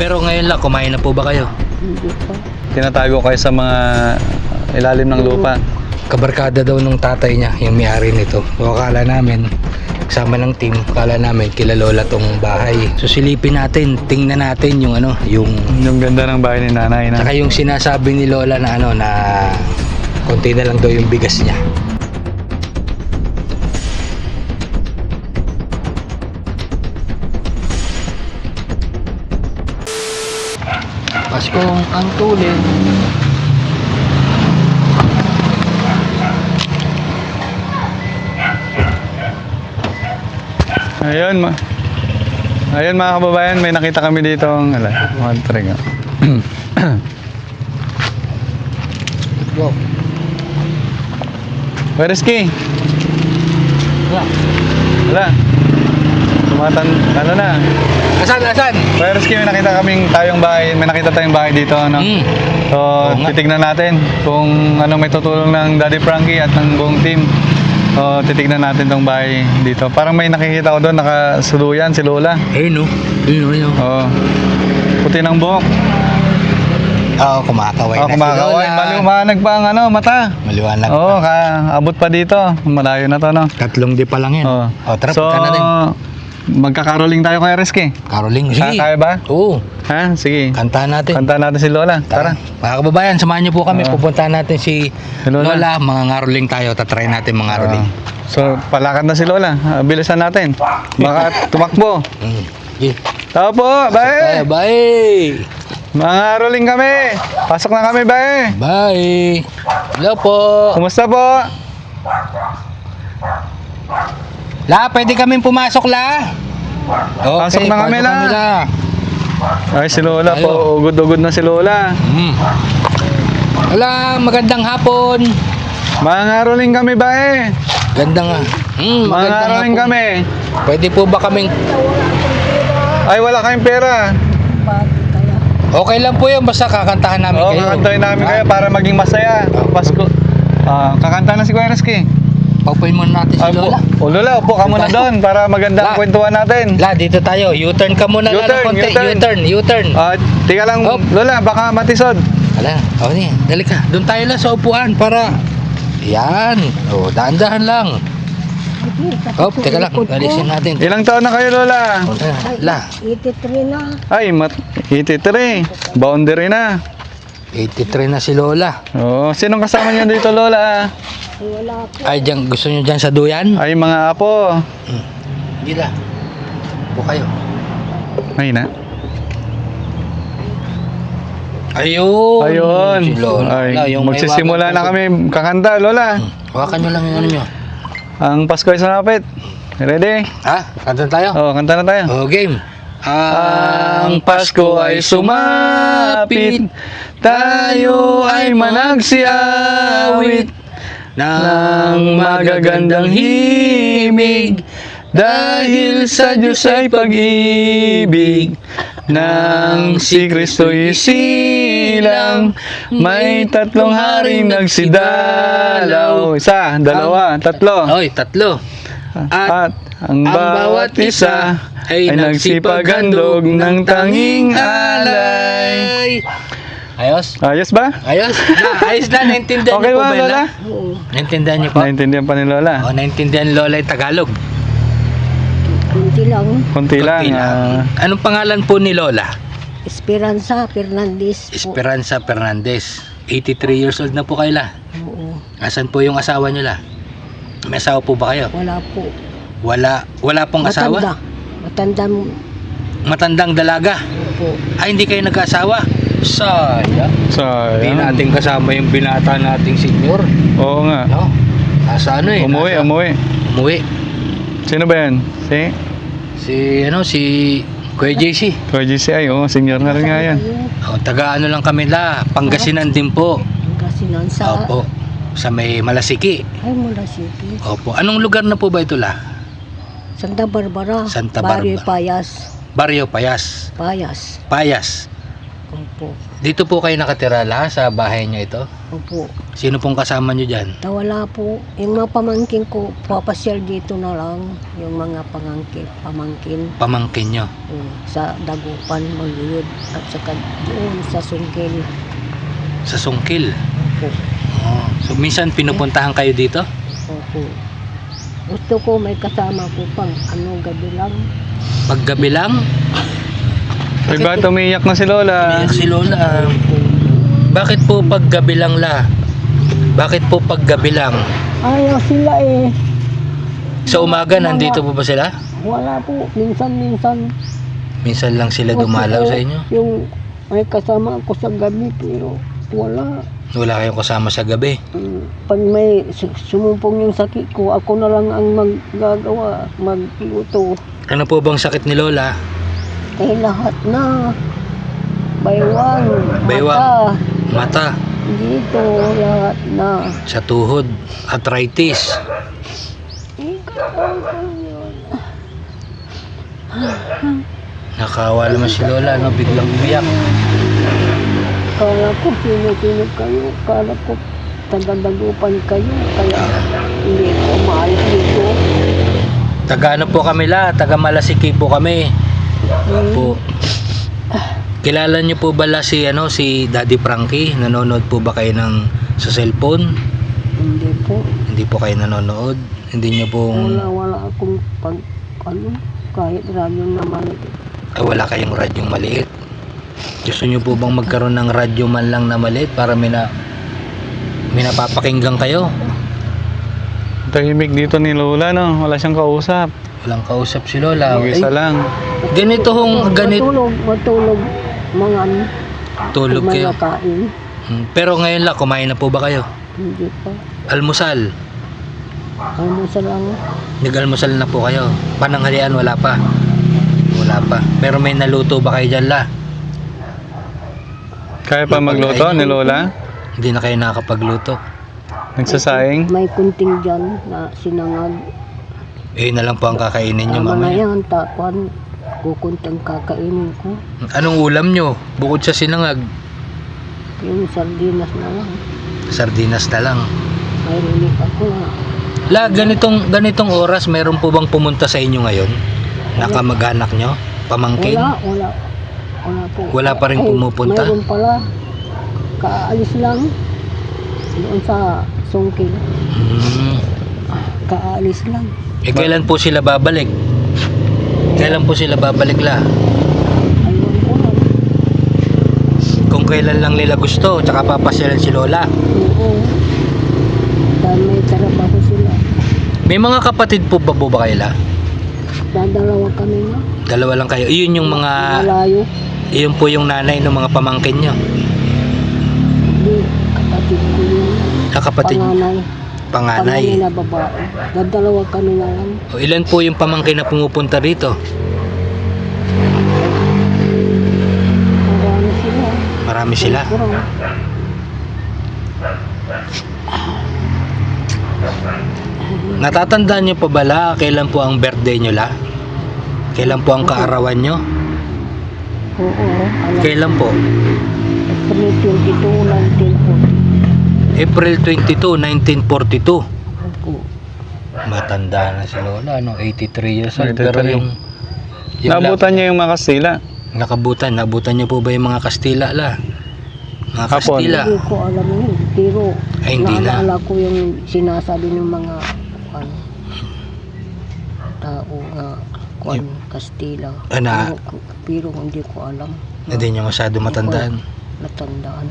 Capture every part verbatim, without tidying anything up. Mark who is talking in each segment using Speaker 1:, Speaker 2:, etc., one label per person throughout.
Speaker 1: Pero ngayon lang, kumain na po ba kayo?
Speaker 2: Hindi pa.
Speaker 3: Tinatago kayo sa mga ilalim ng lupa.
Speaker 1: Kabarkada daw nung tatay niya, yung may-ari nito. So akala namin, kasama ng team, akala namin kila Lola tong bahay. So silipin natin, tingnan natin yung ano, yung...
Speaker 3: Yung ganda ng bahay ni nanay na.
Speaker 1: Saka yung sinasabi ni Lola na ano, na konti na lang daw yung bigas niya. Paskong ang tulin.
Speaker 3: Ayun, ma. Ayun mga kababayan, may nakita kami dito ang ala, one trig.
Speaker 1: Wow.
Speaker 3: Where is Key?
Speaker 1: Wala.
Speaker 3: Wala. Tumatan, ano na?
Speaker 1: Asan, asan?
Speaker 3: Where is Key? May nakita kaming tayong bahay, may nakita tayong bahay dito, ano?
Speaker 1: Mm.
Speaker 3: So,
Speaker 1: Oo nga.
Speaker 3: titignan natin kung ano may tutulong ng Daddy Frankie at ng buong team. So, titignan natin tong bahay dito. Parang may nakikita ko doon, nakasuluyan si Lola.
Speaker 1: Ayun no. Ayun ayun.
Speaker 3: Oo. Puti ng buhok.
Speaker 1: Oo, kumakaway
Speaker 3: Oo,
Speaker 1: na
Speaker 3: kumakaway.
Speaker 1: si Lola.
Speaker 3: Maliwanag pa ang ano, mata.
Speaker 1: Maliwanag
Speaker 3: Oo,
Speaker 1: pa.
Speaker 3: ka, abot pa dito. Malayo na to, no?
Speaker 1: Tatlong di pa lang yan.
Speaker 3: Oo.
Speaker 1: O, tara,
Speaker 3: So,
Speaker 1: punta natin.
Speaker 3: magkakaroling tayo kay Reski.
Speaker 1: Caroling,
Speaker 3: Kaya,
Speaker 1: sige.
Speaker 3: kaya ba?
Speaker 1: Oo,
Speaker 3: Ha? Sige.
Speaker 1: kantahan natin.
Speaker 3: Kanta natin si Lola. Tara.
Speaker 1: Mga kababayan, samahan niyo po kami.
Speaker 3: Oo.
Speaker 1: Pupuntahan natin si
Speaker 3: Si Lola.
Speaker 1: Lola. Mga ngaroling tayo. Tatry natin mga ngaroling.
Speaker 3: Oo. So, palakad na si Lola. Ah, Bilisan natin. Baka tumakbo.
Speaker 1: Mm. Okay.
Speaker 3: Tao po,
Speaker 1: Tayo,
Speaker 3: bae.
Speaker 1: bye!
Speaker 3: Mga roling kami. Pasok na kami, bae.
Speaker 1: Bye! Hello po!
Speaker 3: Kumusta po?
Speaker 1: La, pwede kaming pumasok, La? Okay,
Speaker 3: Pasok na kami,
Speaker 1: pasok
Speaker 3: La. Ay, si Lola
Speaker 1: Tayo.
Speaker 3: po. Ugod-ugod na si Lola.
Speaker 1: Mm. Wala, magandang hapon.
Speaker 3: Mga roling kami, bae.
Speaker 1: Ganda nga. Mm,
Speaker 3: Mga
Speaker 1: magandang
Speaker 3: roling
Speaker 1: hapon.
Speaker 3: kami.
Speaker 1: Pwede po ba kaming...
Speaker 3: Ay, wala kayong pera.
Speaker 2: Bakit kaya?
Speaker 1: Okay lang po yun, basta kakantahan namin
Speaker 3: Oo,
Speaker 1: kayo.
Speaker 3: kakantahin namin
Speaker 1: Ha?
Speaker 3: kayo para maging masaya. Pasko. Ah, kakanta na si Kuya Reski.
Speaker 1: Paupuin muna natin si
Speaker 3: Ah,
Speaker 1: Lola.
Speaker 3: O Lola, upo ka muna doon para maganda ang
Speaker 1: La.
Speaker 3: kwentuhan natin.
Speaker 1: La, dito tayo. U-turn ka muna lang
Speaker 3: U-turn,
Speaker 1: ng konti.
Speaker 3: U-turn.
Speaker 1: U-turn, U-turn.
Speaker 3: Ah, tika lang,
Speaker 1: Hop.
Speaker 3: Lola, baka matisod.
Speaker 1: Ala, o oh, niya, dali ka. Doon tayo lang sa upuan para... Yan. O, dahan-dahan lang. Hop, teka lang. Alisin natin.
Speaker 3: Ilang taon na kayo, Lola?
Speaker 1: O, teka, La,
Speaker 2: eighty-three na.
Speaker 3: Ay, mat eighty-three. Boundary na.
Speaker 1: eighty-three na si Lola.
Speaker 3: Oo, sinong kasama niyo dito, Lola?
Speaker 2: Ay, wala po.
Speaker 1: Ay, dyan, gusto nyo dyan sa duyan?
Speaker 3: Ay, mga apo.
Speaker 1: Hmm. Hindi la. Po kayo.
Speaker 3: Ay na.
Speaker 1: Ayun.
Speaker 3: Ayun.
Speaker 1: Si Lola.
Speaker 3: Ay,
Speaker 1: Wala, yung may
Speaker 3: magsisimula
Speaker 1: wagang
Speaker 3: na
Speaker 1: puso.
Speaker 3: kami kakanta, Lola.
Speaker 1: Hmm. Hawakan nyo lang yung ano nyo.
Speaker 3: Ang Pasko ay sumapit. Ready?
Speaker 1: Ha? Kanta tayo?
Speaker 3: Oo, kanta na tayo.
Speaker 1: O, game.
Speaker 3: Ang Pasko ay sumapit, tayo ay managsiawit ng magagandang himig, dahil sa Diyos ay pag-ibig, nang si Kristo'y isilang, may tatlong haring nagsidalaw. Isa, dalawa, tatlo.
Speaker 1: Oy, tatlo.
Speaker 3: At ang bawat isa ay nagsipaghandog ng tanging alay.
Speaker 1: Ayos?
Speaker 3: Ayos ba?
Speaker 1: Ayos? Na, ayos na, naintindihan
Speaker 3: Okay
Speaker 1: niyo po
Speaker 3: ba,
Speaker 1: ba yun,
Speaker 3: Lola?
Speaker 1: La?
Speaker 2: Oo.
Speaker 1: Naintindihan niyo po?
Speaker 3: Naintindihan pa ni Lola.
Speaker 1: O, naintindihan ni Lola yung Tagalog.
Speaker 2: Kunti lang.
Speaker 3: Konti lang.
Speaker 1: Konti lang.
Speaker 3: ah.
Speaker 1: Anong pangalan po ni Lola?
Speaker 2: Esperanza Fernandez po.
Speaker 1: Esperanza Fernandez. eighty-three years old na po kayo, La.
Speaker 2: Oo.
Speaker 1: Asan po yung asawa niyo, La? May asawa po ba kayo?
Speaker 2: Wala po.
Speaker 1: Wala, wala pong
Speaker 2: Matanda.
Speaker 1: asawa?
Speaker 2: Matanda mo
Speaker 1: Matandang dalaga.
Speaker 2: po.
Speaker 1: Ay, hindi kayo nag-asawa? Sayang. Hindi
Speaker 3: Sayang.
Speaker 1: natin kasama yung binata nating senior.
Speaker 3: Oo nga.
Speaker 1: No? Nasa ano eh?
Speaker 3: Umuwi,
Speaker 1: nasa-
Speaker 3: umuwi.
Speaker 1: Umuwi.
Speaker 3: Sino ba yan? Si?
Speaker 1: Si, ano, si Kuya J C.
Speaker 3: Kuya G C I, oo. Senior na rin nga yan.
Speaker 1: O, taga ano lang kami, La. Pangasinan din po.
Speaker 2: Kasi sa
Speaker 1: Opo. Sa may Malasiki.
Speaker 2: ay mula City.
Speaker 1: Opo. Anong lugar na po ba ito, La?
Speaker 2: Santa Barbara.
Speaker 1: Santa
Speaker 2: Barrio
Speaker 1: Barbara.
Speaker 2: Payas.
Speaker 1: Barrio Payas.
Speaker 2: Payas.
Speaker 1: Payas.
Speaker 2: Opo.
Speaker 1: Dito po kayo nakatira, La, sa bahay niyo ito?
Speaker 2: Opo.
Speaker 1: Sino pong kasama nyo dyan?
Speaker 2: Tawala po. Yung mga pamangkin ko, papasyal dito na lang. Yung mga pangangkin, pamangkin.
Speaker 1: Pamangkin nyo.
Speaker 2: Mm, sa Dagupan, Maluyod. At saka doon sa Sungkil.
Speaker 1: Sa Sungkil.
Speaker 2: Opo.
Speaker 1: Oh. So minsan pinupuntahan kayo dito?
Speaker 2: Opo. Gusto ko may kasama ko pang ano, gabi lang.
Speaker 1: Paggabi lang?
Speaker 3: Ay, bakit umiiyak na si Lola?
Speaker 1: Umiyak si Lola. Bakit po paggabi lang la? Bakit po paggabi lang?
Speaker 2: Ayaw sila eh.
Speaker 1: Sa umaga nandito po ba sila?
Speaker 2: Wala po. Minsan-minsan.
Speaker 1: Minsan lang sila dumalaw sa inyo?
Speaker 2: Yung may kasama ako sa gabi pero wala.
Speaker 1: Wala kayong kasama sa gabi?
Speaker 2: Mm, Pag may su- sumumpong yung sakit ko, ako na lang ang maggagawa, magluto.
Speaker 1: Ano po bang sakit ni Lola?
Speaker 2: Eh lahat na. Baywang,
Speaker 1: Baywang.
Speaker 2: mata,
Speaker 1: Mata,
Speaker 2: dito, lahat na.
Speaker 1: sa tuhod, arthritis.
Speaker 2: Ikaw ko yun.
Speaker 1: Nakawa naman si Lola, no? Biglang umiyak.
Speaker 2: Kala ko sino-sino kayo, kala ko taga-dagupan kayo, kaya hindi ko maalis dito.
Speaker 1: Taga ano po kami la? Taga Malasiki po kami.
Speaker 2: Hmm.
Speaker 1: Po. Kilala niyo po ba la si ano si Daddy Frankie? Nanonood po ba kayo ng sa cellphone?
Speaker 2: Hindi po.
Speaker 1: Hindi po kayo nanonood. Hindi niyo pong
Speaker 2: Wala, wala akong pag, ano, kahit radyo naman.
Speaker 1: ah, wala kayong radyong maliit. Gusto niyo po bang magkaroon ng radyo man lang na maliit para may na may napapakinggan kayo?
Speaker 3: Tahimik dito ni Lola, no? Wala siyang kausap.
Speaker 1: Walang kausap si Lola.
Speaker 3: Mag-isa
Speaker 1: Ay,
Speaker 3: lang.
Speaker 1: ganito hong ganito
Speaker 2: Matulog, matulog, mga ano,
Speaker 1: tulog
Speaker 2: mga
Speaker 1: kayo.
Speaker 2: nakain.
Speaker 1: Hmm, Pero ngayon la, kumain na po ba kayo?
Speaker 2: Hindi pa.
Speaker 1: Almusal.
Speaker 2: Ano sa lang,
Speaker 1: Nag-almusal na po kayo. Pananghalian wala pa. Wala pa. Pero may naluto ba kayo dyan la?
Speaker 3: Kaya pa magluto ni Lola?
Speaker 1: Hindi na kayo nakakapagluto.
Speaker 3: Nagsasaing?
Speaker 2: may kunting dyan na sinangag.
Speaker 1: Eh na lang po ang kakainin nyo
Speaker 2: Tama na
Speaker 1: mamaya.
Speaker 2: yan, takwan. Kukuntang kakainin ko.
Speaker 1: Anong ulam nyo? Bukod sa sinangag,
Speaker 2: Yung sardinas na lang.
Speaker 1: sardinas na lang.
Speaker 2: May rinig ako na.
Speaker 1: La, ganitong ganitong oras meron po bang pumunta sa inyo ngayon? Nakamag-anak nyo? Pamangkin?
Speaker 2: Wala, wala. Wala po.
Speaker 1: Wala pa rin
Speaker 2: Ay,
Speaker 1: pumupunta?
Speaker 2: Mayroon pala. Kaalis lang. Doon sa Sungkil.
Speaker 1: Hmm.
Speaker 2: Kaalis lang.
Speaker 1: Eh kailan po sila babalik? Kailan po sila babalik la?
Speaker 2: Ayun po lang.
Speaker 1: Kung kailan lang nila gusto, tsaka papasyalan si Lola.
Speaker 2: Oo. Dahil may trabaho sila.
Speaker 1: May mga kapatid po ba po ba kayo la?
Speaker 2: Dadalawa kami na.
Speaker 1: Dalawa lang kayo. Iyon yung mga,
Speaker 2: Malayo.
Speaker 1: iyon po yung nanay ng mga pamangkin nyo.
Speaker 2: Hindi. Kapatid ko yun.
Speaker 1: Ah, kapatid,
Speaker 2: Panganay. Panganay
Speaker 1: panganay.
Speaker 2: na babae. Dadalawa kami na lang.
Speaker 1: O, ilan po yung pamangkin na pumupunta rito?
Speaker 2: Marami sila.
Speaker 1: Marami sila.
Speaker 2: Kurang.
Speaker 1: Natatandaan nyo pa ba la? Kailan po ang birthday nyo la? Kailan po ang kaarawan nyo?
Speaker 2: Oo. Alam.
Speaker 1: Kailan po?
Speaker 2: April twenty-two, nineteen forty.
Speaker 1: April twenty-two, nineteen forty-two.
Speaker 2: Opo.
Speaker 1: Matanda na si Lola, no? eighty-three years old. Pero
Speaker 3: eighty-three.
Speaker 1: yung, yung
Speaker 3: Nabutan niya yung mga Kastila.
Speaker 1: nakabutan, nabutan nyo po ba yung mga Kastila la? Mga
Speaker 3: Hapon.
Speaker 1: Kastila.
Speaker 2: Hindi ko alam yun. Pero
Speaker 1: Ay, hindi na.
Speaker 2: naalala ko yung sinasabi ng mga ano, tao nga kuan Kastila.
Speaker 1: Ah, na-
Speaker 2: Pero, pero hindi ko alam.
Speaker 1: Hindi nyo masyado matandaan.
Speaker 2: Natandaan.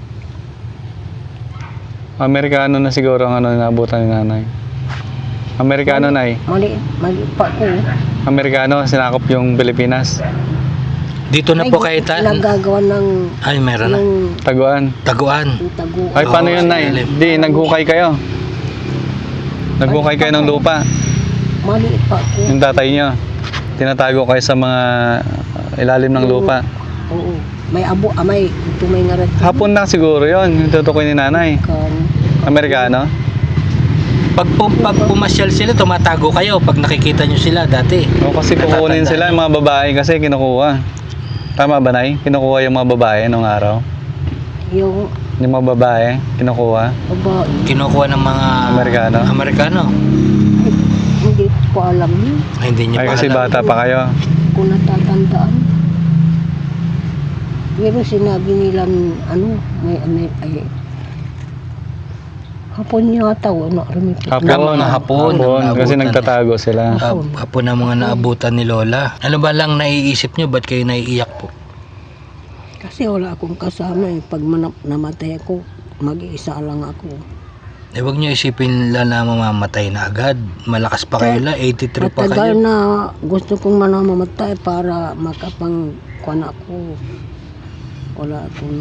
Speaker 3: Amerikano na siguro ang ano nabutan ni nanay. Amerikano na eh.
Speaker 2: Mali, mali pa ko.
Speaker 3: Amerikano, sinakop yung Pilipinas.
Speaker 1: Dito na po kayo ta...
Speaker 2: Nagagawa ng
Speaker 1: Ay, meron na.
Speaker 2: yung,
Speaker 3: Taguan.
Speaker 1: Taguan.
Speaker 2: yung tago.
Speaker 3: Ay, paano
Speaker 1: Oo,
Speaker 3: yun,
Speaker 1: sa
Speaker 3: Nay?
Speaker 1: ilalim.
Speaker 3: Di, naghukay kayo. Naghukay kayo ng lupa.
Speaker 2: Mali pa ko.
Speaker 3: Yung tatay nyo. Tinatago kayo sa mga ilalim ng lupa.
Speaker 2: Oo. May abo, ah, may tumay nga rin.
Speaker 3: Hapon na siguro yun, yung tutukoy ni nanay.
Speaker 2: Kan,
Speaker 3: Amerikano.
Speaker 1: Pag, pum, pag pumasyal sila, tumatago kayo pag nakikita nyo sila dati.
Speaker 3: O kasi kukunin sila yung mga babae kasi kinukuha. Tama ba, Nay? Kinukuha yung mga babae nung araw.
Speaker 2: yung
Speaker 3: Yung mga babae, kinukuha.
Speaker 2: Babae.
Speaker 1: Kinukuha ng mga
Speaker 3: Amerikano?
Speaker 1: Amerikano.
Speaker 2: Hindi ko alam yun.
Speaker 1: Ay, hindi niyo
Speaker 3: Ay,
Speaker 1: pa
Speaker 3: kasi
Speaker 1: alam.
Speaker 3: bata pa kayo.
Speaker 2: Kung natatandaan. Pero sinabi nila, ano, may, may, ay, hapon yata, wala rin ito.
Speaker 3: Hapon,
Speaker 1: Na mga hapon,
Speaker 3: hapon,
Speaker 1: ang
Speaker 3: kasi
Speaker 1: naabutan
Speaker 3: nagtatago sila.
Speaker 1: Ah, apo na mga naabutan ni Lola. Ano ba lang naiisip nyo? Ba't kayo naiiyak po?
Speaker 2: Kasi wala akong kasama eh. Pag manap, namatay ako, mag-iisa lang ako.
Speaker 1: Eh, huwag nyo isipin lang na mamamatay na agad. Malakas pa kayo la, eighty-three pa
Speaker 2: Matagal
Speaker 1: kayo.
Speaker 2: na gusto kong manamatay para makapang kuwan ako. Wala akong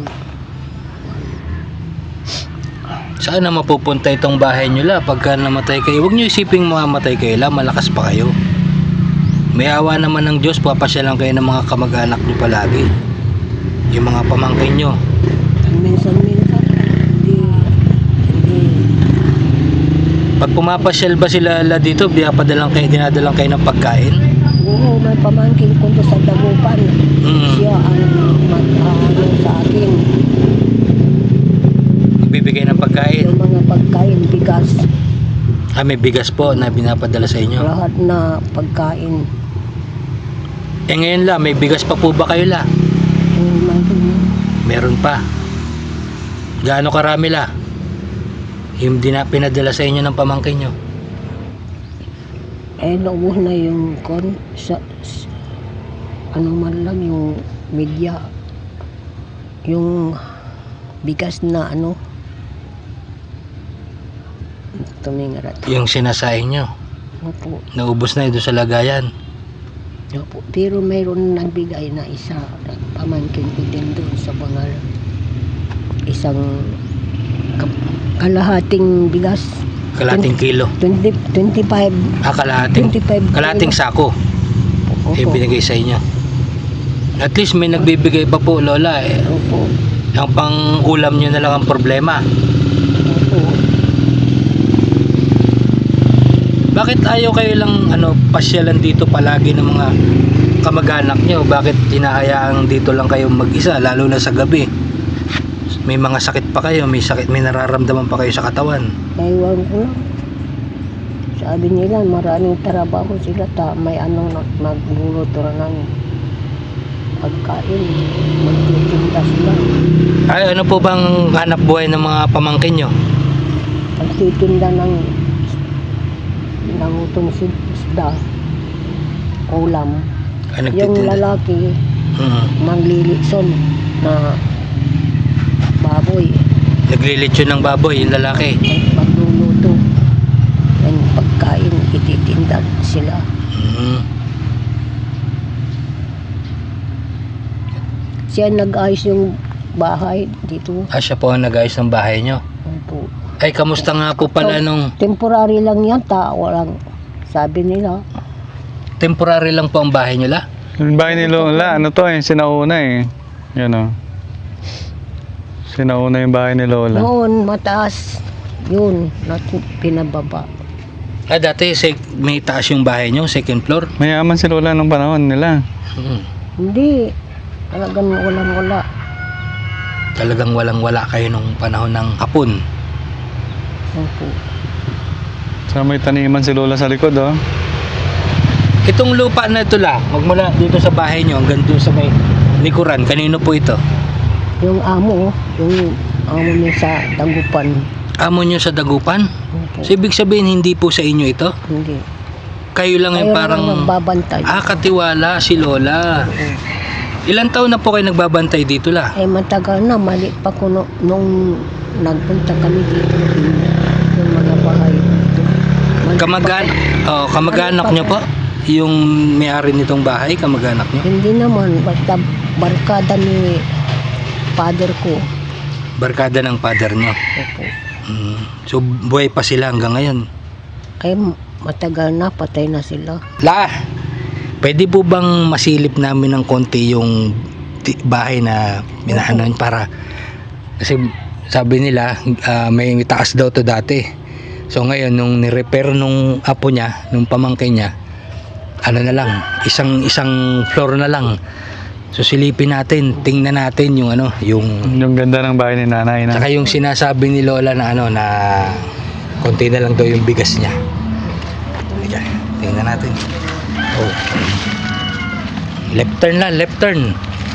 Speaker 1: Saan na mapupunta itong bahay nyo la? Pagka namatay kayo, huwag nyo isipin mamamatay kayo la, malakas pa kayo. May awa naman ng Diyos, papasyalan kayo ng mga kamag-anak nyo palagi. Yung mga pamangkin nyo.
Speaker 2: minsan-minsan. Hindi, hindi.
Speaker 1: Pag pumapasyal ba sila la dito, dinadalang kayo, dinadalang kayo ng pagkain?
Speaker 2: Oo, may pamangkin ko doon sa Dagupan.
Speaker 1: Mm.
Speaker 2: Siya ang mag-ano sa akin.
Speaker 1: Magbibigay ng pagkain.
Speaker 2: Yung mga pagkain, bigas,
Speaker 1: Ah, may bigas po na binapadala sa inyo.
Speaker 2: lahat na pagkain.
Speaker 1: Eh ngayon la, may bigas pa po ba kayo la?
Speaker 2: Yung mga
Speaker 1: Meron pa. Gaano karami la? Yung dina, pinadala sa inyo ng pamangkin nyo.
Speaker 2: eh, naubos na yung kon sa, s- ano man lang yung media. Yung bigas na ano. Tumingarat.
Speaker 1: Yung sinasain nyo.
Speaker 2: Opo.
Speaker 1: Naubos na yun doon sa lagayan.
Speaker 2: Opo. Pero mayroon nagbigay na isa, pamangkin ko din doon sa bangal. Isang ka- kalahating bigas.
Speaker 1: Kalating kilo.
Speaker 2: twenty, twenty-five.
Speaker 1: Ah, kalating.
Speaker 2: twenty-five
Speaker 1: Kalating
Speaker 2: kilo.
Speaker 1: sako.
Speaker 2: Opo.
Speaker 1: Yung binigay sa inyo. At least may nagbibigay pa po, Lola. Eh,
Speaker 2: Opo.
Speaker 1: ang pang ulam nyo na lang ang problema.
Speaker 2: Opo.
Speaker 1: Bakit ayaw kayo lang ano, pasyalan dito palagi ng mga kamag-anak nyo? Bakit hinahayaang dito lang kayo mag-isa, lalo na sa gabi? May mga sakit pa kayo, may sakit, may nararamdaman pa kayo sa katawan.
Speaker 2: Naiwan ko lang. Sabi nila, maraming trabaho sila. Ta, may ano, na- magluluto na ng pagkain. Magtitinda sila.
Speaker 1: Ay, ano po bang hanap buhay ng mga pamangkin nyo?
Speaker 2: Magtitinda ng ng utong isda. Ulam.
Speaker 1: Ay,
Speaker 2: Yung
Speaker 1: nagtitinda.
Speaker 2: lalaki,
Speaker 1: Mm.
Speaker 2: manglilitson na baboy.
Speaker 1: Naglilitsyon ng baboy, yung lalaki.
Speaker 2: Magluluto. Yung pagkain, ititinda sila.
Speaker 1: Mm.
Speaker 2: Siya nag-ayos yung bahay dito.
Speaker 1: Ah, siya po ang nag-ayos ng bahay nyo.
Speaker 2: Opo.
Speaker 1: Ay, kamusta nga po pala nung
Speaker 2: Temporary lang yan, tao lang. Sabi nila,
Speaker 1: temporary lang po ang bahay nyo la?
Speaker 3: Yung bahay ni Lola, ano to eh, sinauna eh. Yan o. Sinauna yung bahay ni Lola.
Speaker 2: noon mataas. Yun, natin pinababa.
Speaker 1: Ah, dati sek- may taas yung bahay nyo, second floor.
Speaker 3: Mayaman si Lola nung panahon nila.
Speaker 1: Mm.
Speaker 2: Hindi, talagang walang-wala.
Speaker 1: Talagang walang-wala kayo nung panahon ng hapon.
Speaker 2: Opo.
Speaker 3: Sa may taniman si Lola sa likod oh.
Speaker 1: Itong lupa na ito la, magmula dito sa bahay nyo hanggang doon sa may likuran, kanino po ito?
Speaker 2: Yung amo, yung amo niya sa Dagupan.
Speaker 1: Amo nyo sa Dagupan?
Speaker 2: Opo.
Speaker 1: So, ibig sabihin hindi po sa inyo ito?
Speaker 2: Hindi.
Speaker 1: Kayo lang yung
Speaker 2: Ayaw
Speaker 1: parang
Speaker 2: lang nagbabantay.
Speaker 1: ah, katiwala si Lola. Ilang taon na po kayo nagbabantay dito la?
Speaker 2: Eh, matagal na, mali pa ko no, nung nagpunta kami dito. Yung, yung mga bahay dito. Mali
Speaker 1: Kamag-an oh, kamag-anak nyo po? Yung may-ari nitong bahay, kamag-anak nyo?
Speaker 2: Hindi naman, basta barkada ni father ko.
Speaker 1: Barkada ng father nyo.
Speaker 2: Opo.
Speaker 1: Mm. So, buhay pa sila hanggang ngayon.
Speaker 2: Ay, matagal na, patay na sila.
Speaker 1: La, pwede po bang masilip namin ng konti yung ti- bahay na minahanan para kasi sabi nila ah, may taas daw to dati. So ngayon nung ni-repair nung apo niya, nung pamangkin niya, ano na lang, isang isang floor na lang. So silipin natin, tingnan natin yung ano, yung
Speaker 3: Yung ganda ng bahay ni nanay na.
Speaker 1: saka yung sinasabi ni Lola na ano na konti na lang daw yung bigas niya. Halika, tingnan natin. Oh. Left turn lang, left turn.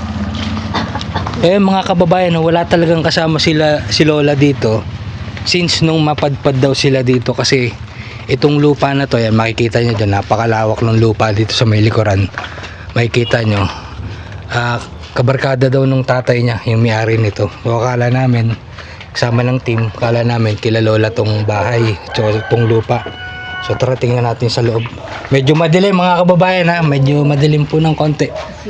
Speaker 1: Eh mga kababayan, wala talagang kasama sila si Lola dito since nung mapadpad daw sila dito kasi itong lupa na to, yan makikita nyo dyan, napakalawak ng lupa dito sa may likuran. Makikita nyo, ah, kabarkada daw nung tatay niya yung may-ari nito. So akala namin, kasama ng team, akala namin kila Lola tong bahay, so tong lupa. So tara tingnan natin sa loob. Medyo madilim mga kababayan ha, medyo madilim po ng konti.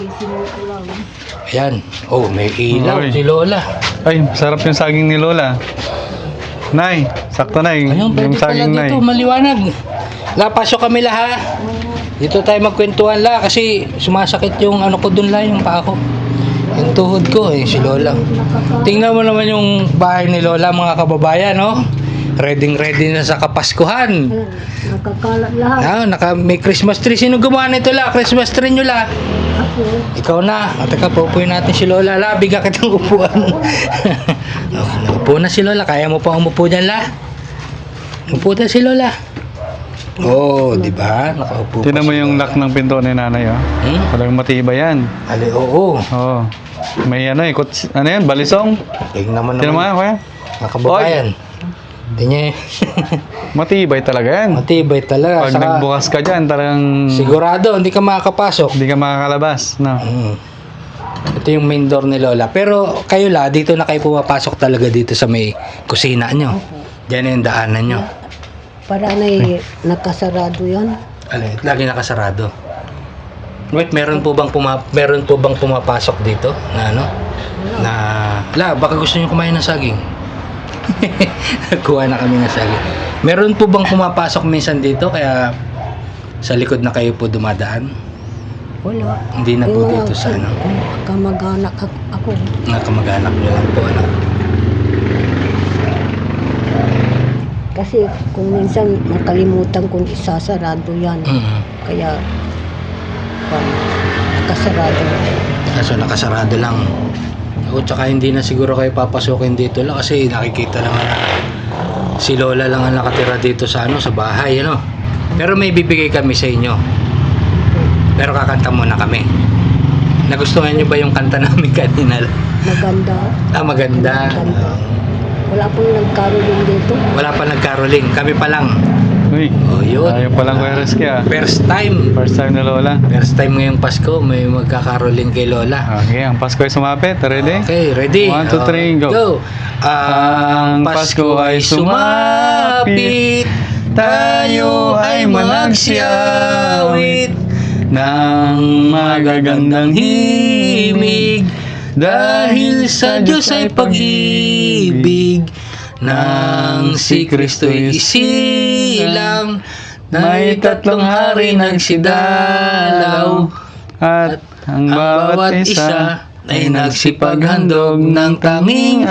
Speaker 1: Ayan, oh may ilaw
Speaker 3: Oy.
Speaker 1: si Lola.
Speaker 3: Ay, sarap yung saging ni Lola. Nay, sakto nay.
Speaker 1: Ayun,
Speaker 3: Yung
Speaker 1: pwede pala
Speaker 3: saging nay.
Speaker 1: dito, maliwanag. La, pasok kami la ha. Dito tayo magkwentuhan la kasi sumasakit yung ano ko dun la, yung paa ko. Yung tuhod ko eh, si Lola. Tingnan mo naman yung bahay ni Lola mga kababayan, no? Ready ready na sa Kapaskuhan.
Speaker 2: Nakakalat lahat.
Speaker 1: Ah, naka may Christmas tree. Sino gumawa nito la? Christmas tree nyo la?
Speaker 2: Ako.
Speaker 1: Ikaw na. O, teka, pupuin natin si Lola. La, bigyan kitang upuan. Oh, naupo na si Lola. Kaya mo pa umupo dyan, la? Upo na si Lola. Oo, oh, di ba? Nakaupo pa
Speaker 3: Tingnan mo
Speaker 1: si
Speaker 3: yung
Speaker 1: Lola.
Speaker 3: lock ng pinto ni nanay, oh.
Speaker 1: Hmm?
Speaker 3: Talagang matibay yan.
Speaker 1: Ali, oo.
Speaker 3: Oo. May ano eh, kuts, ano yan, balisong.
Speaker 1: Tingnan mo
Speaker 3: Tingnan mo
Speaker 1: naman.
Speaker 3: nga, kuya.
Speaker 1: Mga kababayan. Tingnan.
Speaker 3: Matibay talaga yan.
Speaker 1: Matibay talaga.
Speaker 3: Pag
Speaker 1: Saka,
Speaker 3: nagbukas ka dyan, talagang
Speaker 1: sigurado, hindi ka makakapasok.
Speaker 3: hindi ka makakalabas. No?
Speaker 1: Mm. Ito yung main door ni Lola. Pero kayo la, dito na kayo pumapasok talaga dito sa may kusina nyo. Diyan yung daanan nyo.
Speaker 2: Para na nakasarado yan.
Speaker 1: Alin, lagi nakasarado. Wait, meron po bang puma meron po bang pumapasok dito na ano? Na la, baka gusto niyo kumain ng saging. Kuha na kami ng saging. Meron po bang pumapasok minsan dito kaya sa likod na kayo po dumadaan?
Speaker 2: Wala.
Speaker 1: Hindi na po
Speaker 2: Yung
Speaker 1: dito sa ano,
Speaker 2: kamag-anak ak- ako.
Speaker 1: mga kamag-anak niyo lang po ano.
Speaker 2: Kasi kung minsan nakalimutan kung isasarado yan.
Speaker 1: Mm.
Speaker 2: Kaya um, nakasarado.
Speaker 1: Kaso nakasarado lang. O tsaka hindi na siguro kayo papasukin dito lang kasi nakikita naman na si Lola lang ang nakatira dito sa ano, sa bahay ano. Pero may bibigay kami sa inyo. Pero kakanta muna kami. Nagustuhan niyo ba yung kanta namin kanina?
Speaker 2: Maganda.
Speaker 1: Ah, maganda.
Speaker 2: Maganda. Wala pong nagkaroon dito.
Speaker 1: Wala pa nagkaroling. Kami pa lang.
Speaker 3: Uy,
Speaker 1: Oh, yun.
Speaker 3: ayaw palang kuya Rizky ah.
Speaker 1: First time.
Speaker 3: First time na Lola.
Speaker 1: First time ngayong Pasko may magkakaroling kay Lola.
Speaker 3: Okay, ang Pasko ay sumapit. Ready?
Speaker 1: Okay, ready?
Speaker 3: One, two, three, go.
Speaker 1: Ang Pasko ay sumapit, tayo ay magsiawit ng magagandang himig, dahil sa Diyos ay pag-ibig, nang si Kristo'y isilang, may tatlong hari nagsidalaw,
Speaker 3: At ang bawat isa
Speaker 1: ay nagsipaghandog ng tanging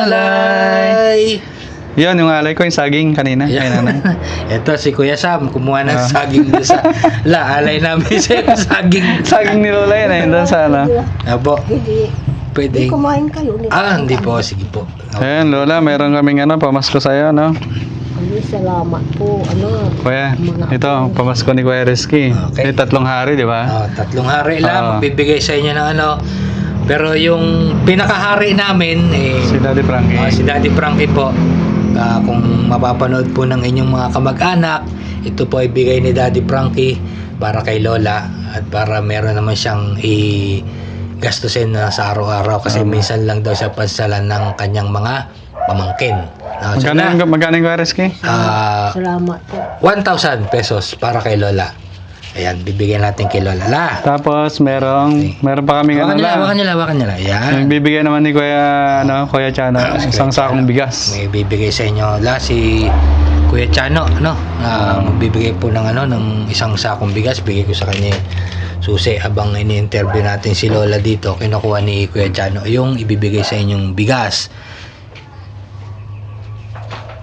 Speaker 1: alay.
Speaker 3: Yan, yung alay ko, yung saging kanina. Ay, nanay.
Speaker 1: Ito si Kuya Sam, kumuha ng
Speaker 3: Ah.
Speaker 1: saging doon sa la, alay namin sa saging.
Speaker 3: Saging ni Lola yan, ayun doon sa ano.
Speaker 1: Apo,
Speaker 2: Hindi.
Speaker 1: pwede.
Speaker 2: Hindi kumain kayo. Nito.
Speaker 1: Ah, hindi po, sige po.
Speaker 3: Ayan, Lola, meron kaming ano, pamasko sa'yo, no?
Speaker 2: Ano, salamat po. Ano,
Speaker 3: Kuya, ito, pamasko ni Kuya Rizky.
Speaker 1: Okay.
Speaker 3: May tatlong hari, di ba?
Speaker 1: Ah, tatlong hari lang,
Speaker 3: Ah.
Speaker 1: bibigay sa inyo ng ano. Pero yung pinakahari namin, eh,
Speaker 3: Si Daddy Frankie.
Speaker 1: ah, si Daddy Frankie po. Ah, kung mapapanood po ng inyong mga kamag-anak, ito po ay bigay ni Daddy Frankie para kay Lola at para meron naman siyang i gastusin na sa araw-araw kasi
Speaker 3: Tama.
Speaker 1: minsan lang daw siya pansalan ng kanyang mga pamangkin. Ah, so
Speaker 3: Magkano
Speaker 1: na,
Speaker 3: yung, magkano yung Kuya Rizky?
Speaker 1: ah,
Speaker 2: salamat po.
Speaker 1: one thousand pesos para kay Lola. Ayan, bibigyan natin kay Lola. La!
Speaker 3: Tapos, merong, meron pa kaming
Speaker 1: Hawakan
Speaker 3: ano
Speaker 1: nila, hawakan
Speaker 3: lang.
Speaker 1: nila, hawakan nila. Ayan.
Speaker 3: Yung bibigyan naman ni Kuya, ano, Kuya Chano, isang sakong bigas.
Speaker 1: May bibigay sa inyo la si Kuya Chano, ano? Ah, magbibigay po ng ano ng isang sakong bigas, bigay ko sa kanya yung susi abang ini-interview natin si Lola dito. Kinukuha ni Kuya Chano yung ibibigay sa inyong bigas.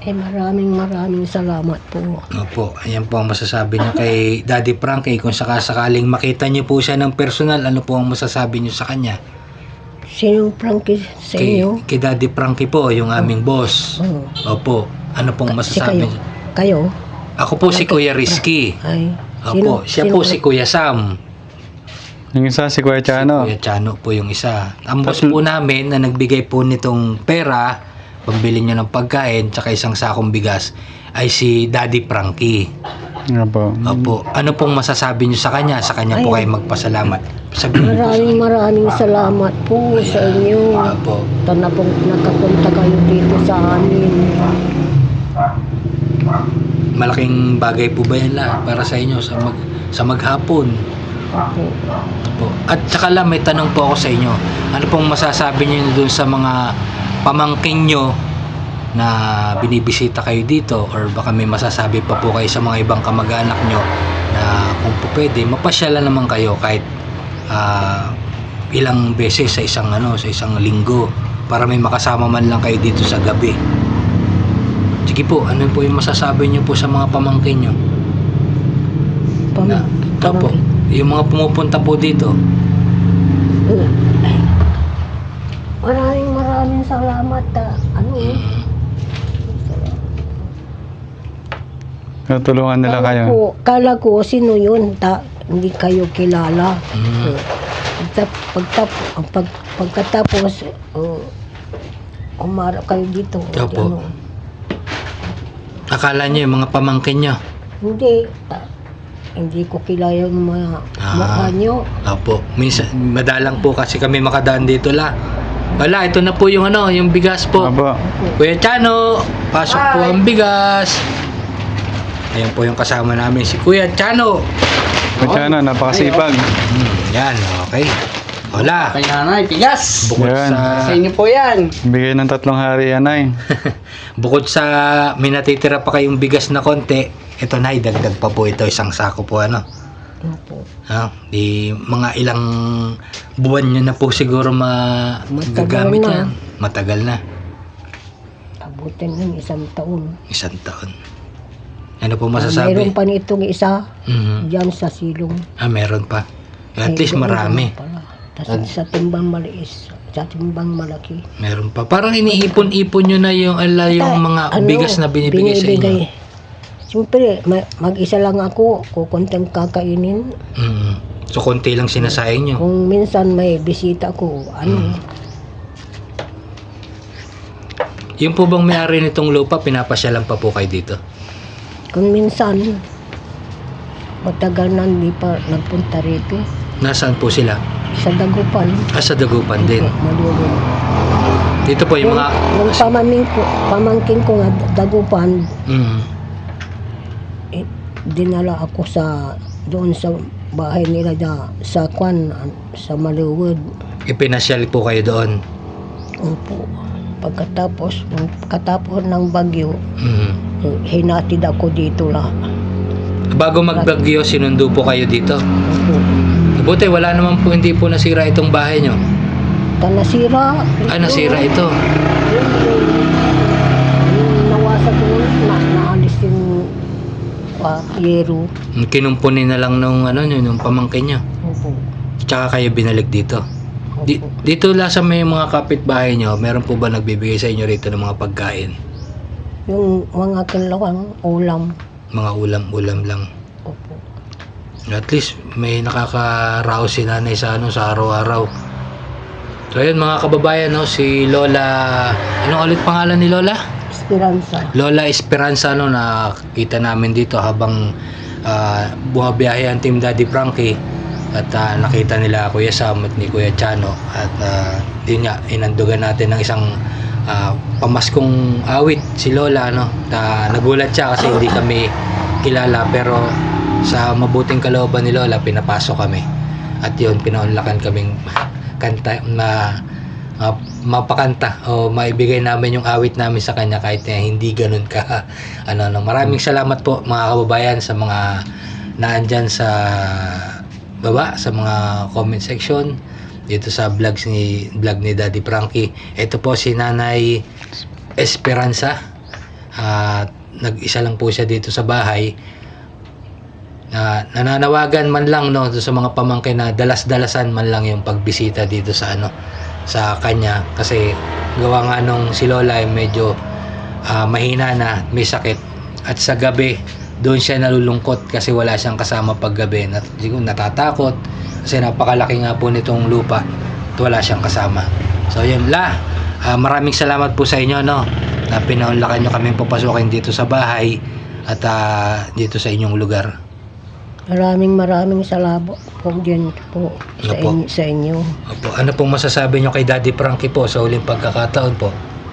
Speaker 2: Eh, maraming maraming salamat po.
Speaker 1: Opo, ayan po ang masasabi niyo kay Daddy Frankie. Kung sakasakaling makita niyo po siya ng personal, ano po ang masasabi niyo sa kanya?
Speaker 2: Sinong Frankie sa
Speaker 1: Kay,
Speaker 2: inyo?
Speaker 1: kay Daddy Frankie po, yung aming boss.
Speaker 2: Oh.
Speaker 1: Opo, ano pong
Speaker 2: Si
Speaker 1: masasabi
Speaker 2: kayo?
Speaker 1: niyo?
Speaker 2: Kayo?
Speaker 1: Ako po si Kuya Rizky.
Speaker 2: Ay.
Speaker 1: Opo, siya po si Kuya Sam.
Speaker 3: Yung isa si Kuya Chano.
Speaker 1: Kuya Chano po yung isa. Ang boss po namin na nagbigay po nitong pera, pambili niya ng pagkain, tsaka isang sakong bigas, ay si Daddy Frankie.
Speaker 3: Nga po.
Speaker 1: Opo, ano pong masasabi niyo sa kanya? Sa kanya po
Speaker 2: Ay.
Speaker 1: kayo magpasalamat. Sabihin niyo po sa
Speaker 2: Maraming maraming salamat po sa inyo.
Speaker 1: Opo.
Speaker 2: Tana pong nakapunta kayo dito sa amin.
Speaker 1: Malaking bagay po ba yan lahat para sa inyo sa mag sa maghapon?
Speaker 2: Opo.
Speaker 1: Opo. At saka lang may tanong po ako sa inyo. Ano pong masasabi niyo doon sa mga pamangkin niyo na binibisita kayo dito, or baka may masasabi pa po kayo sa mga ibang kamag-anak niyo na kung po pwede mapasyalan naman kayo kahit ah, ilang beses sa isang ano sa isang linggo para may makasama man lang kayo dito sa gabi. Sige po, ano po yung masasabi niyo po sa mga pamangkin niyo?
Speaker 2: Pam,
Speaker 1: Na, opo, yung mga pumupunta po dito.
Speaker 2: Eh, Maraming maraming salamat. ah. Ano eh?
Speaker 3: Tutulungan nila
Speaker 2: Kala
Speaker 3: kayo.
Speaker 2: ko, kala ko sino yun? Ta, hindi kayo kilala.
Speaker 1: Mm.
Speaker 2: Eh, Pagtap, pagtap, pag, pagkatapos, uh, umara kayo dito. Di
Speaker 1: Opo.
Speaker 2: ano.
Speaker 1: Akala niyo yung mga pamangkin niyo?
Speaker 2: Hindi. ah, hindi ko kilala yung mga
Speaker 1: Ah.
Speaker 2: mukha nyo.
Speaker 1: Opo. Minsan, madalang po kasi kami makadaan dito la. Wala, ito na po yung ano, yung bigas po.
Speaker 3: Apo.
Speaker 1: Kuya Chano, pasok po ang bigas. Ayan po yung kasama namin, si Kuya Chano.
Speaker 3: Kuya Chano, napakasipag.
Speaker 1: Hmm, yan, okay. Wala.
Speaker 4: Kay nanay, tigas!
Speaker 1: Bukod
Speaker 3: Yan.
Speaker 1: sa
Speaker 4: Sa inyo po yan.
Speaker 3: Bigay ng tatlong hari yan ay.
Speaker 1: bukod sa may natitira pa kayong bigas na konti, ito na, dagdag pa po ito, isang sako po ano.
Speaker 2: Opo.
Speaker 1: Ah, di mga ilang buwan nyo na po siguro magagamit
Speaker 2: Matagal na.
Speaker 1: yan. Matagal na.
Speaker 2: Abutin ng isang taon.
Speaker 1: Isang taon. Ano po
Speaker 2: Ah,
Speaker 1: masasabi?
Speaker 2: mayroon pa nitong isa
Speaker 1: Mhm.
Speaker 2: dyan sa silong.
Speaker 1: Ah, meron pa. At
Speaker 2: Ay,
Speaker 1: least
Speaker 2: doon
Speaker 1: marami.
Speaker 2: pala. Tas sa timbang maliis, sa timbang malaki.
Speaker 1: Meron pa. Parang iniipon-ipon nyo na yung, ala, yung
Speaker 2: Ay,
Speaker 1: mga
Speaker 2: ano,
Speaker 1: bigas na binibigay, sa inyo.
Speaker 2: Siyempre, ma- mag-isa lang ako, kukuntang kakainin.
Speaker 1: Mhm. So, konti lang sinasayang nyo.
Speaker 2: Kung minsan may bisita ko, ano,
Speaker 1: Mm. Yung po bang may-ari nitong lupa, pinapasyalan pa po kayo dito?
Speaker 2: kung minsan, matagal na hindi pa nagpunta rito.
Speaker 1: Nasaan po sila?
Speaker 2: Sa Dagupan.
Speaker 1: Ah, sa Dagupan din.
Speaker 2: Malulog.
Speaker 1: Dito po yung
Speaker 2: Yung,
Speaker 1: mga...
Speaker 2: yung pamangkin ko, pamangkin ko nga Dagupan,
Speaker 1: Mhm.
Speaker 2: eh, dinala ako sa doon sa bahay nila da, sa Kwan, sa Maluwod.
Speaker 1: Ipinasyal po kayo doon.
Speaker 2: Opo. Pagkatapos, nung katapos ng bagyo,
Speaker 1: Mhm.
Speaker 2: eh, hinatid ako dito lang.
Speaker 1: Bago magbagyo, sinundo po kayo dito.
Speaker 2: Opo.
Speaker 1: Buti, wala naman po, hindi po nasira itong bahay nyo.
Speaker 2: Ta nasira.
Speaker 1: Ah, nasira ito.
Speaker 2: Yung, yung, yung nawasa ko, na, naalis yung uh, yero.
Speaker 1: Kinumpunin na lang nung, ano, nung pamangkin nyo.
Speaker 2: Opo.
Speaker 1: Tsaka kayo binalik dito. Di,
Speaker 2: Opo.
Speaker 1: dito la sa may mga kapitbahay nyo, meron po ba nagbibigay sa inyo rito ng mga pagkain?
Speaker 2: Yung mga kinlawang ulam.
Speaker 1: Mga ulam-ulam lang.
Speaker 2: Opo.
Speaker 1: At least may nakakaraos si nanay sa ano sa araw-araw. So ayun mga kababayan, no, si Lola, anong ulit pangalan ni Lola?
Speaker 2: Esperanza.
Speaker 1: Lola Esperanza, no, nakita namin dito habang uh, buhabiyahe ang Team Daddy Frankie at ah, nakita nila Kuya Sam at ni Kuya Chano at uh, yun nga, inandugan natin ng isang ah, pamaskong awit si Lola, no. Ta, nagulat siya kasi hindi kami kilala, pero sa mabuting kalooban ni Lola pinapasok kami at yun, pinaunlakan kaming kanta na uh, mapakanta o maibigay namin yung awit namin sa kanya kahit na hindi ganun ka ano, no. Maraming salamat po mga kababayan sa mga naandyan sa baba sa mga comment section dito sa vlogs ni vlog ni Daddy Frankie. Ito po si Nanay Esperanza. At nag-isa lang po siya dito sa bahay. Na nananawagan man lang no sa mga pamangkin na dalas-dalasan man lang yung pagbisita dito sa ano sa kanya, kasi gawa nga nung si Lola ay medyo ah, mahina na, may sakit, at sa gabi doon siya nalulungkot kasi wala siyang kasama paggabi. Nat siguro natatakot kasi napakalaki nga po nitong lupa at wala siyang kasama. So yun la, ah, maraming salamat po sa inyo no na pinaunlakan nyo kaming papasukin dito sa bahay at ah, dito sa inyong lugar.
Speaker 2: Maraming maraming salamat po dyan po sa,
Speaker 1: Opo.
Speaker 2: inyo, sa inyo.
Speaker 1: Opo, ano pong masasabi nyo kay Daddy Frankie po sa huling pagkakataon po?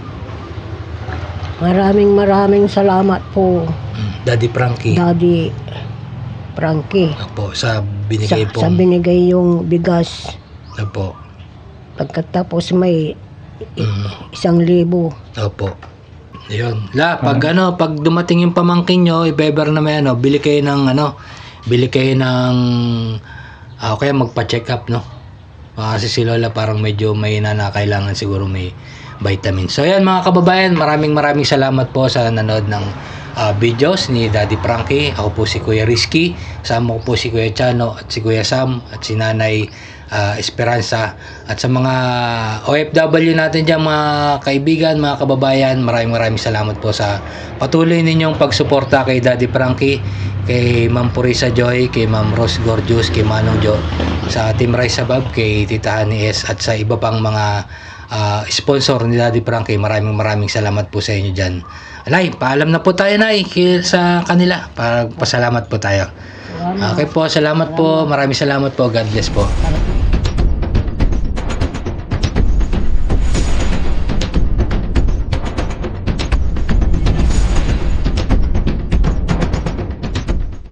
Speaker 2: Maraming maraming salamat po,
Speaker 1: Mm, Daddy Frankie.
Speaker 2: Daddy Frankie.
Speaker 1: Opo, sa
Speaker 2: Sa,
Speaker 1: binigay
Speaker 2: sa
Speaker 1: pong
Speaker 2: binigay yung bigas.
Speaker 1: Opo.
Speaker 2: Pagkatapos may
Speaker 1: Mm,
Speaker 2: isang libo.
Speaker 1: opo. Ayun. La, pag ano, pag dumating yung pamangkin nyo, i-beber na may ano, bili kayo ng ano, bili kayo ng ah, kaya magpa-check up no. Ah, kasi si Lola parang medyo may na kailangan siguro may vitamin. So ayan mga kababayan, maraming maraming salamat po sa nanood ng ah, videos ni Daddy Frankie. Ako po si Kuya Rizky, kasama ko po si Kuya Chano at si Kuya Sam at si Nanay ah, Esperanza, at sa mga O F W natin dyan, mga kaibigan, mga kababayan, maraming maraming salamat po sa patuloy ninyong pagsuporta kay Daddy Frankie, kay Ma'am Purisa Joy, kay Ma'am Rose Gorgeous, kay Manong Jo, sa Team Rice Abab, kay Tita Honey S, at sa iba pang mga ah, sponsor ni Daddy Frankie. Maraming maraming salamat po sa inyo dyan. Nay, paalam na po tayo Nay ki- sa kanila para pasalamat po tayo.
Speaker 2: Salamat.
Speaker 1: Okay po, salamat po, maraming salamat po, God bless po.
Speaker 2: Para-